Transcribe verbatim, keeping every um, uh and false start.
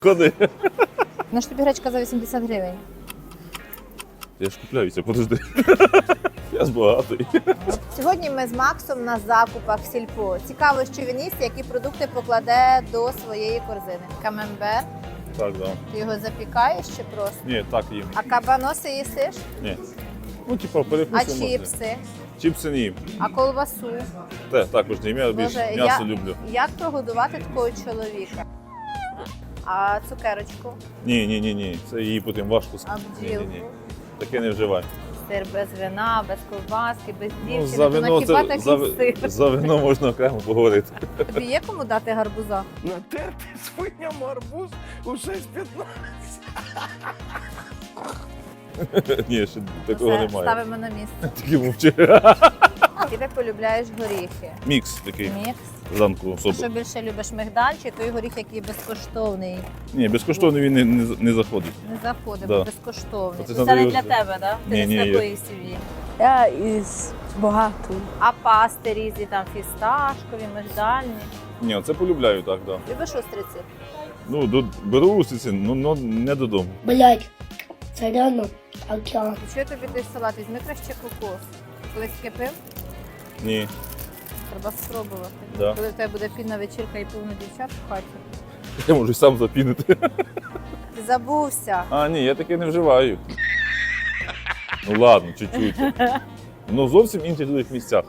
Ходи. Ну ж тобі гречка за вісімдесят гривень. Я ж купляюся, подожди. Я ж багатий. Сьогодні ми з Максом на закупах в сільпо. Цікаво, що він їсть, які продукти покладе до своєї корзини. Камембер, Так, да. ти його запікаєш чи просто? Ні, так їм. А кабаноси їсиш? Ні. Ну, типа, А перекусимо. чіпси? Чіпси ні. А колбасу? Те, також не їм. Я більш Боже, м'ясо я- люблю. Як прогодувати такого чоловіка? А цукерочку? Ні, ні, ні, ні. Це її потім важко А сказати. Ні, ні, ні. бджілку? Таке не вживай. Сир без вина, без ковбаски, без Ну, дівчини, за то на вино, хіба це, такий за, сир? за вино можна окремо поговорити. Тобі є кому дати гарбуза? Натерти свиням арбуз у шість п'ятнадцять. Ні, ще такого Все, немає. ставимо на місце. Тільки мовчи. І ти полюбляєш горіхи. Мікс такий. Мікс. Зранку Що особо. більше любиш, мигдаль чи той горіх, який безкоштовний? Ні, безкоштовно він не, не, не заходить. Не заходить, Да. бо безкоштовний. Це Це, треба не його- для тебе, так? Ти Ні, не ні, з я- такої сім'ї. Я із багатої. А пасти різні, там фісташкові, мигдальні. Ні, це полюбляю так, так. Да. Любиш устриці? Ну, до, беру устриці, ну, ну не додому. Блять, це реально океан. І що тобі той салат? Візьми краще кокос. Колись таке пив? Ні. Треба спробувати. Да. Коли в тебе буде пінна вечірка і повно дівчат в хаті. Я можу й сам запінити. Ти забувся. А, ні, я таке не вживаю. Ну ладно, чуть-чуть. Ну зовсім інших других місцях.